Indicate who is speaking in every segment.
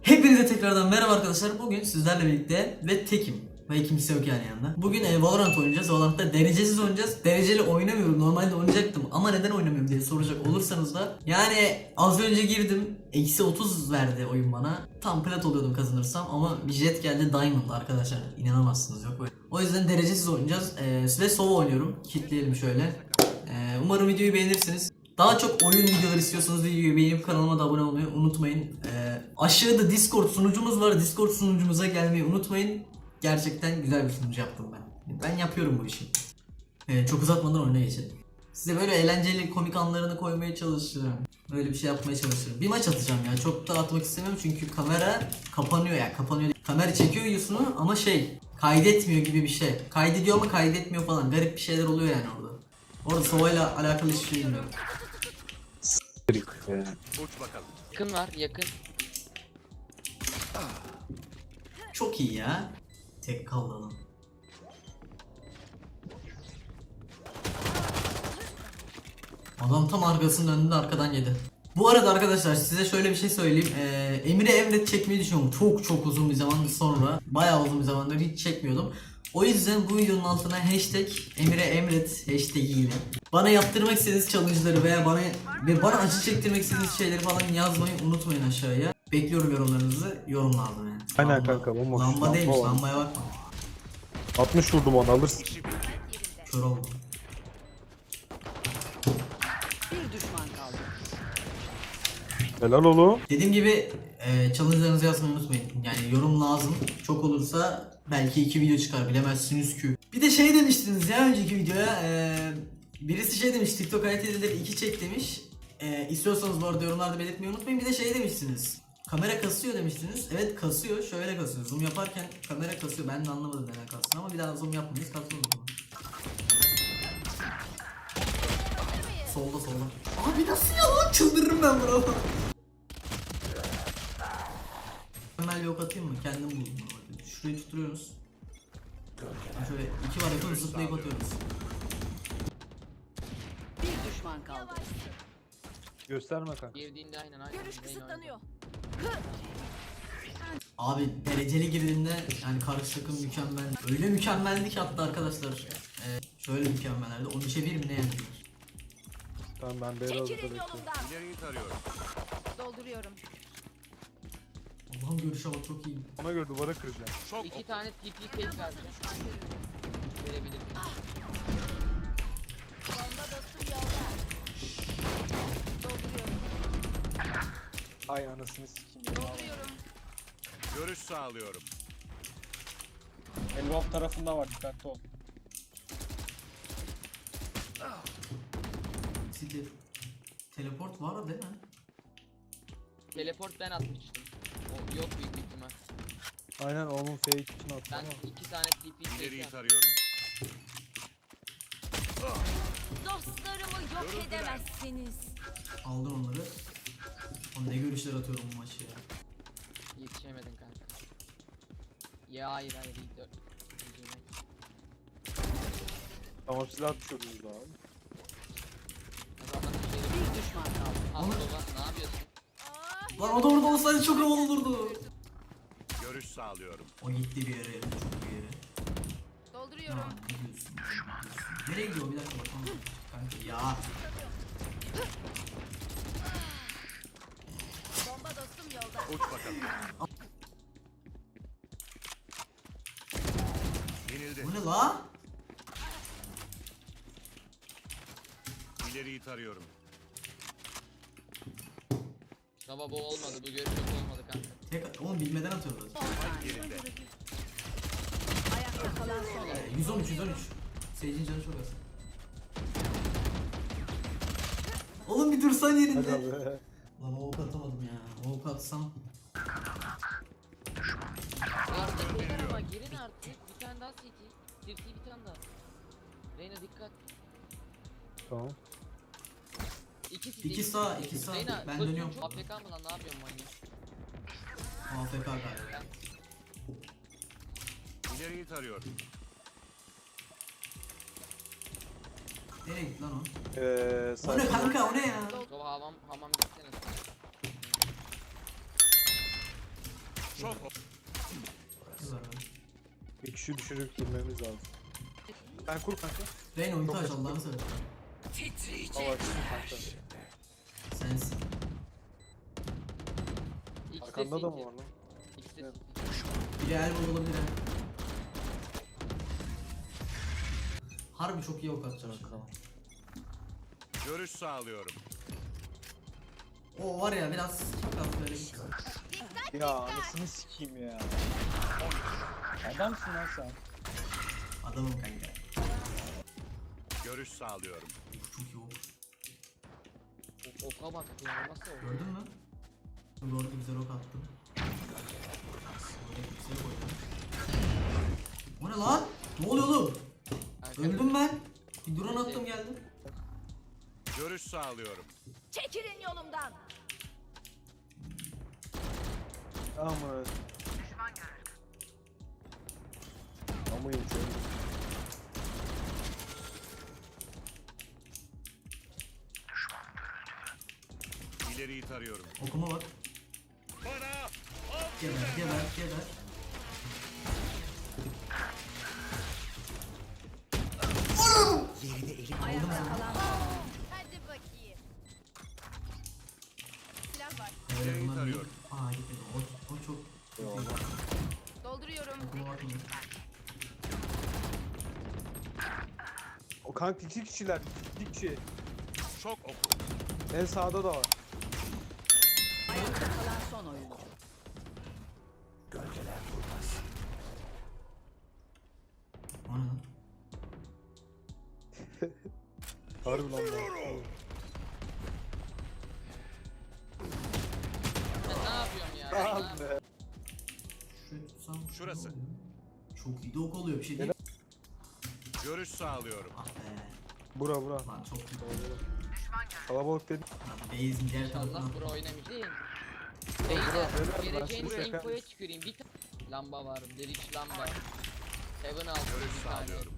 Speaker 1: Hepinize tekrardan merhaba arkadaşlar. Bugün sizlerle birlikte ve tekim. Ve kimse yok yani yanında. Bugün Valorant oynayacağız. Valorant'ta derecesiz oynayacağız. Dereceli oynamıyorum. Normalde oynayacaktım ama neden oynamıyorum diye soracak olursanız da yani az önce girdim. Eksi 30 verdi oyun bana. Tam plat oluyordum kazanırsam ama bir jet geldi Diamond arkadaşlar. İnanamazsınız, yok böyle. O yüzden derecesiz oynayacağız. Ve solo oynuyorum. Kitleyelim şöyle. Umarım videoyu beğenirsiniz. Daha çok oyun videoları istiyorsanız videoyu beğenip kanalıma da abone olmayı unutmayın. Aşağıda Discord sunucumuz var. Discord sunucumuza gelmeyi unutmayın. Gerçekten güzel bir sunucu yaptım ben. Ben yapıyorum bu işi. Çok uzatmadan oyuna geçelim. Size böyle eğlenceli komik anlarını koymaya çalışıyorum. Böyle bir şey yapmaya çalışıyorum. Bir maç atacağım ya. Çok da atmak istemiyorum çünkü kamera kapanıyor ya. Kapanıyor. Kamera çekiyor videosunu ama kaydetmiyor gibi bir şey. Kaydediyor ama kaydetmiyor falan. Garip bir şeyler oluyor yani orada. Orada Sova'yla alakalı hiçbir şey bilmiyorum.
Speaker 2: Uç bakalım.
Speaker 3: Yakın var, yakın.
Speaker 1: Çok iyi ya. Tek kaldı adam. Adam tam arkasının önünde arkadan yedi. Bu arada arkadaşlar size şöyle bir şey söyleyeyim. Emre Emret çekmeyi düşünüyorum. Çok uzun bir zaman sonra. Bayağı uzun bir zamandır hiç çekmiyordum. O yüzden bu videonun altına hashtag Emre Emret hashtag ile bana yaptırmak istediğiniz challenge'ları veya bana acı çektirmek istediğiniz şeyleri falan yazmayı unutmayın aşağıya. Bekliyorum yorumlarınızı. Yorum lazım yani.
Speaker 4: Aynen
Speaker 1: Lamba-
Speaker 4: kanka, bomboş.
Speaker 1: Lamba değilmiş,
Speaker 4: Lamba var.
Speaker 1: lambaya bakma.
Speaker 4: 60 vurdum onu, alırsın.
Speaker 1: Kör oldum.
Speaker 5: Bir düşman kaldı.
Speaker 4: Helal oğlum.
Speaker 1: Dediğim gibi challenge'larınızı yazmayı unutmayın. Yani yorum lazım. Çok olursa belki 2 video çıkar, bilemezsiniz ki. Bir de demiştiniz ya önceki videoya. Birisi demiş, TikTok hayat edileri 2 çek demiş. İstiyorsanız bu arada yorumlarda belirtmeyi unutmayın. Bir de demiştiniz. Kamera kasıyor demiştiniz. Evet kasıyor. Şöyle kasıyor. Zoom yaparken kamera kasıyor. Ben de anlamadım neden kastığını ama bir daha zoom yapmayız. Kasıyor o zaman. Solda. Abi nasıl ya lan? Çıldırırım ben buna. Mükemmel bir ok atayım mı? Kendim buldum. Şurayı tutturuyoruz. Şöyle 2 var yapıyoruz, zıplayıp atıyoruz.
Speaker 5: Bir düşman kaldı.
Speaker 4: Gösterme kanka.
Speaker 3: Girdiğinde aynen.
Speaker 5: Görüş kısıtlanıyor.
Speaker 1: Abi dereceli girdiğinde yani karşı takım mükemmel. Öyle mükemmeldi ki hatta arkadaşlar. Şöyle mükemmellerdi. 13'e 1 mi ne yendiler?
Speaker 4: Tamam, ben beyaz hazırda
Speaker 5: Çekilin
Speaker 4: bekliyorum.
Speaker 5: yolumdan.
Speaker 2: İleriyi tarıyorum.
Speaker 5: Dolduruyorum.
Speaker 1: Allah'ım görüşe bak, çok iyi.
Speaker 4: Ona göre duvara kıracağım.
Speaker 2: Çok
Speaker 3: İki tane TP case verdi. Verebilirim.
Speaker 5: Bomba dostum yolda. Dolduruyorum.
Speaker 4: Ay anasını sikeyim.
Speaker 5: Dolduruyorum.
Speaker 2: görüş sağlıyorum.
Speaker 6: Elbow tarafında var, dikkatli ol.
Speaker 1: City. Teleport var değil mi?
Speaker 3: Teleport ben atmıştım. O yok büyük bir ihtimal.
Speaker 4: Aynen, onun fake için attım
Speaker 3: Ben
Speaker 4: ama.
Speaker 3: iki tane TP case
Speaker 2: İleriyi
Speaker 3: yaptım.
Speaker 2: tarıyorum.
Speaker 5: Dostlarımı yok edemezsiniz.
Speaker 1: Aldın onları. Oğlum ne görüşler atıyorum bu maçı ya.
Speaker 3: Yetişemedin kanka. Ya hayır iyi dört.
Speaker 4: Tamam, silah düşürdünüz abi.
Speaker 3: Adamlar bir şey
Speaker 5: Bir düşman kaldı.
Speaker 3: Al baba, ne yapıyorsun?
Speaker 1: Lan o da orada olsaydı çok havalı olurdu.
Speaker 2: Görüş sağlıyorum.
Speaker 1: O gitti bir yere, çok bir yere.
Speaker 5: Dolduruyorum.
Speaker 1: Aman, ne diyorsun? Nereye gidiyor, bir dakika bakalım. Kanka ya.
Speaker 5: Bomba dostum yolda.
Speaker 2: Uç bakalım. Yenildi.
Speaker 1: Bu ne la?
Speaker 2: İleriyi tarıyorum.
Speaker 3: Baba bu olmadı, bu görüş yok olmadı kanka.
Speaker 1: Oğlum bilmeden atıyorlar.
Speaker 2: Yerinde.
Speaker 5: Ayakta kalan son oyun.
Speaker 1: 113. Seyircinin canı çok az. Oğlum bir dursan
Speaker 4: Hadi
Speaker 1: yerinde.
Speaker 4: abi.
Speaker 1: Lan o ok atamadım ya. O ok atsam.
Speaker 3: Artık beyler ama girin artık. Bir tane daha CT. CT bir tane daha. Reyna dikkat.
Speaker 4: Tamam.
Speaker 3: İki CT.
Speaker 1: İki sağ, iki sağ.
Speaker 3: Reyna,
Speaker 1: Ben
Speaker 3: koşun,
Speaker 1: dönüyorum.
Speaker 3: çok AFK mı lan, ne yapıyorsun manyak?
Speaker 1: AFK galiba.
Speaker 2: İleriyi tarıyorum.
Speaker 1: Nereye gitti lan o? O ne
Speaker 4: Sayfa.
Speaker 1: kanka, o ne ya?
Speaker 3: Baba hamam gitsene.
Speaker 2: Çok
Speaker 1: Güzel.
Speaker 4: Bir kişi düşürüp girmemiz lazım. Ben kur kanka.
Speaker 1: Reyna ulti
Speaker 4: Çok
Speaker 1: aç
Speaker 4: açık.
Speaker 1: Allah'ını seversen.
Speaker 4: Hava açsın kanka.
Speaker 1: Sensin.
Speaker 3: İkisi
Speaker 4: Arkanda da mı
Speaker 3: CT.
Speaker 4: var lan?
Speaker 3: İkisi de
Speaker 4: Evet.
Speaker 3: CT.
Speaker 1: Biri elbow olabilir ha. Harbi çok iyi ok atacağım.
Speaker 4: Tamam.
Speaker 2: görüş sağlıyorum.
Speaker 1: O var ya biraz kim kaldı böyle git.
Speaker 4: Ya anasını sikeyim ya.
Speaker 6: Adamsın lan sen.
Speaker 1: Adamım kanka.
Speaker 2: Görüş sağlıyorum.
Speaker 1: Çok iyi ok.
Speaker 3: Oka bak ya nasıl oldu?
Speaker 1: Gördün mü? Lord'u güzel ok attım. Oraya yüksek koydum. O ne lan? Ne oluyor oğlum? Öldüm ben. Bir drone attım geldim.
Speaker 2: Görüş sağlıyorum.
Speaker 5: Çekilin yolumdan.
Speaker 4: Ama Ama iyi şöyle.
Speaker 2: İleriyi tarıyorum.
Speaker 1: Okuma bak.
Speaker 2: Bana
Speaker 1: Geber geber geber.
Speaker 5: Ayakta kalan son. Hadi bakayım. Silah var.
Speaker 1: Evet,
Speaker 2: İleriyi
Speaker 1: bunlar
Speaker 2: tarıyorum.
Speaker 1: Aa gitmedi. O çok.
Speaker 4: Eyvallah.
Speaker 5: Dolduruyorum.
Speaker 1: Okuma bakmıyor.
Speaker 4: O kanka iki kişiler. İki kişi.
Speaker 2: çok ok.
Speaker 4: En sağda da var.
Speaker 5: Ayakta kalan son oyuncu.
Speaker 1: O ne lan?
Speaker 4: Harbi lan bu.
Speaker 3: Ben ne yapıyorum ya?
Speaker 4: Ah
Speaker 3: Ben ne
Speaker 4: be.
Speaker 1: Şurayı tutsam.
Speaker 2: Şurası.
Speaker 1: ne oluyor? Çok iyi de ok oluyor bir şey değil.
Speaker 2: Görüş sağlıyorum.
Speaker 1: Ah be.
Speaker 4: Bura.
Speaker 1: Lan çok iyi.
Speaker 4: Kalabalık dedim.
Speaker 1: Base'in diğer tarafına.
Speaker 3: İnşallah bro oynamayacağım.
Speaker 4: beyler,
Speaker 3: Beyler geleceğin
Speaker 4: ben size
Speaker 3: infoya
Speaker 4: şaka-
Speaker 3: tüküreyim. Bir tane lamba var. Delik lamba. Heaven altı
Speaker 2: Görüş
Speaker 3: bir tane.
Speaker 2: sağlıyorum.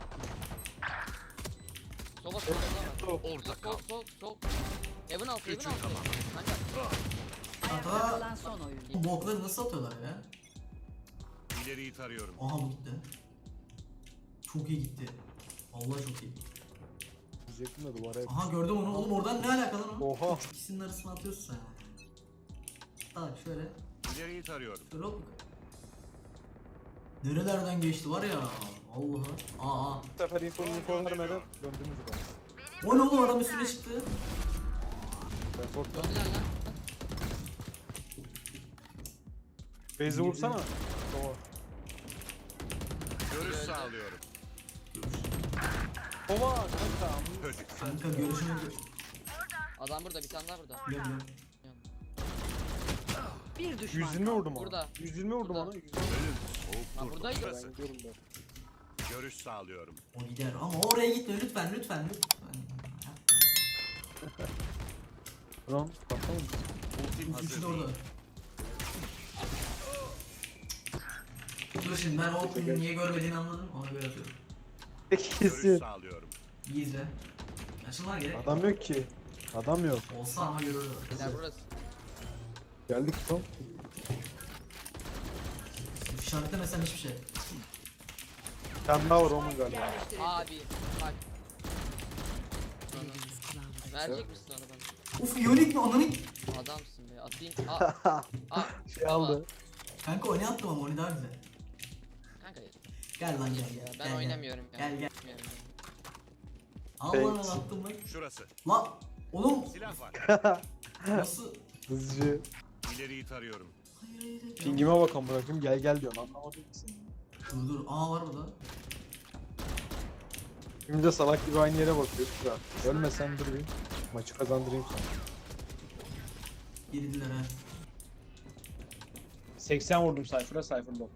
Speaker 3: Sola sola sola.
Speaker 2: Orada kal.
Speaker 3: Sol. Heaven altı Heaven
Speaker 2: Üçü
Speaker 3: altı.
Speaker 2: tamam.
Speaker 3: Kanka.
Speaker 5: Ayakta kalan son oyuncu.
Speaker 1: Bu bokları nasıl atıyorlar ya?
Speaker 2: İleriyi tarıyorum.
Speaker 1: Aha bu gitti. Çok iyi gitti. Vallahi çok iyi.
Speaker 4: Diyecektim de duvara hep.
Speaker 1: Aha gördüm onu. Oğlum oradan ne alakalı lan?
Speaker 4: Oha.
Speaker 1: İkisinin arasına atıyorsun sen. Bak şöyle.
Speaker 2: İleriyi tarıyorum.
Speaker 1: Şöyle hop. Nerelerden geçti var ya. Vallahi. Aa.
Speaker 4: Bu sefer info vermeden döndünüz bana.
Speaker 1: O ne oğlum adam üstüne çıktı.
Speaker 4: Ben korktum.
Speaker 3: Döndüler lan.
Speaker 4: Beyzi vursana. Doğru.
Speaker 2: Görüş
Speaker 3: Öldü.
Speaker 2: sağlıyorum.
Speaker 4: Ova kanka.
Speaker 2: Çocuk.
Speaker 1: Kanka görüşünü
Speaker 3: Adam burada bir tane daha burada.
Speaker 1: biliyorum.
Speaker 5: Bir düşman.
Speaker 4: 120 vurdum ona.
Speaker 3: Burada.
Speaker 4: 120 vurdum
Speaker 3: Burada.
Speaker 4: ona. 120.
Speaker 2: Ölüm.
Speaker 3: Ha
Speaker 2: Soğuk dur.
Speaker 3: buradaydı.
Speaker 2: Şurası.
Speaker 4: Ben gidiyorum ben.
Speaker 2: Görüş sağlıyorum.
Speaker 1: O gider ama oraya gitme lütfen.
Speaker 4: Tamam. Bakalım.
Speaker 2: Ultim hazır
Speaker 1: Üçü de
Speaker 2: değil.
Speaker 1: orada. Dur şimdi ben o niye görmediğini anladım. Ona göre atıyorum.
Speaker 2: Görüş
Speaker 4: Kesin.
Speaker 2: sağlıyorum.
Speaker 1: İyi izle. Yaşınlar gerek.
Speaker 4: Adam yok ki. Adam yok.
Speaker 1: Olsa ama görürler.
Speaker 3: Beyler burası.
Speaker 4: Geldik tam.
Speaker 1: İşaretlemesen hiçbir şey.
Speaker 4: Bir tane daha var onun galiba.
Speaker 5: Yerleştirildi.
Speaker 3: Abi bak. Verecek misin onu bana?
Speaker 1: Uf iyonik mi ananı?
Speaker 3: Adamsın be. Atayım. Aa.
Speaker 4: Şey aldı.
Speaker 1: Kanka o ne attım ama o ne daha güzel.
Speaker 3: Kanka
Speaker 1: Gel lan gel
Speaker 3: ya
Speaker 1: gel.
Speaker 3: ben
Speaker 1: gel,
Speaker 3: oynamıyorum ya.
Speaker 1: Gel gel.
Speaker 3: Oynamıyorum.
Speaker 1: Allah
Speaker 4: Thanks.
Speaker 1: attım lan.
Speaker 2: Şurası.
Speaker 1: La oğlum
Speaker 2: Silah var.
Speaker 1: nasıl?
Speaker 4: Hızlıca.
Speaker 2: İleriyi tarıyorum.
Speaker 1: Hayır.
Speaker 4: Pingime bakalım bırakayım. Gel diyorsun. Anlamadım ki seni.
Speaker 1: Dur. Aa var burada.
Speaker 4: Şimdi de salak gibi aynı yere bakıyor. Şura. Ölmesen dur bir. Maçı kazandırayım sana.
Speaker 1: Girdiler ha.
Speaker 6: 80 vurdum Cypher'a, Cypher low.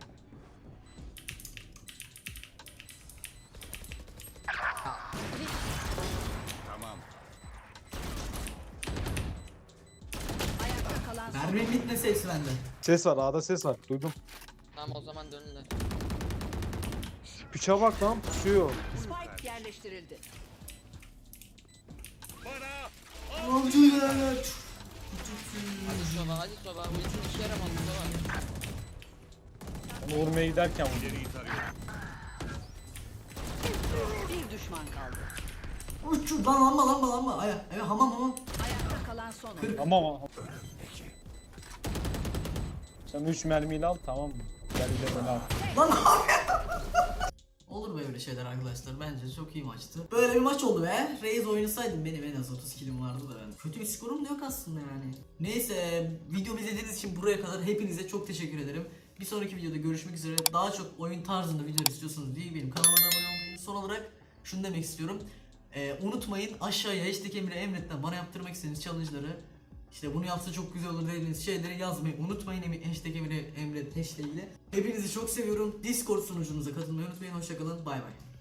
Speaker 2: Tamam.
Speaker 5: Ayakta kalan son
Speaker 1: Mermi bitmese hepsi bende.
Speaker 4: Ses var. A'da ses var. Duydum.
Speaker 3: Tamam o zaman dönünler.
Speaker 4: Piçe bak lan. Pusuyor.
Speaker 5: Spike yerleştirildi.
Speaker 2: Bana
Speaker 1: Avcı ya.
Speaker 3: Hadi soba hadi soba. Bu için işe yaramadı soba.
Speaker 6: Onu vurmaya giderken vurdum.
Speaker 2: İleriyi tarıyorum.
Speaker 5: Bir düşman kaldı.
Speaker 1: Uç lan lamba. Aya hamam.
Speaker 5: Ayakta kalan son oyuncu.
Speaker 6: Ama sen 3 mermiyle al tamam mı? Gel bir de beni al.
Speaker 1: Lan olur böyle şeyler arkadaşlar. Bence çok iyi maçtı. Böyle bir maç oldu be. Reis oynasaydım benim en az 30 kilim vardı da ben. Kötü bir skorum da yok aslında yani. Neyse videomu izlediğiniz için buraya kadar hepinize çok teşekkür ederim. Bir sonraki videoda görüşmek üzere. Daha çok oyun tarzında video istiyorsanız benim kanalıma da abone olmayı. Son olarak şunu demek istiyorum. Unutmayın aşağıya hashtag Emre Emret'ten bana yaptırmak istediğiniz challenge'ları, İşte bunu yapsa çok güzel olur dediğiniz şeyleri yazmayı unutmayın. Hashtag Emre Emret hashtag ile. Hepinizi çok seviyorum. Discord sunucumuza katılmayı unutmayın. Hoşçakalın. Bay bay.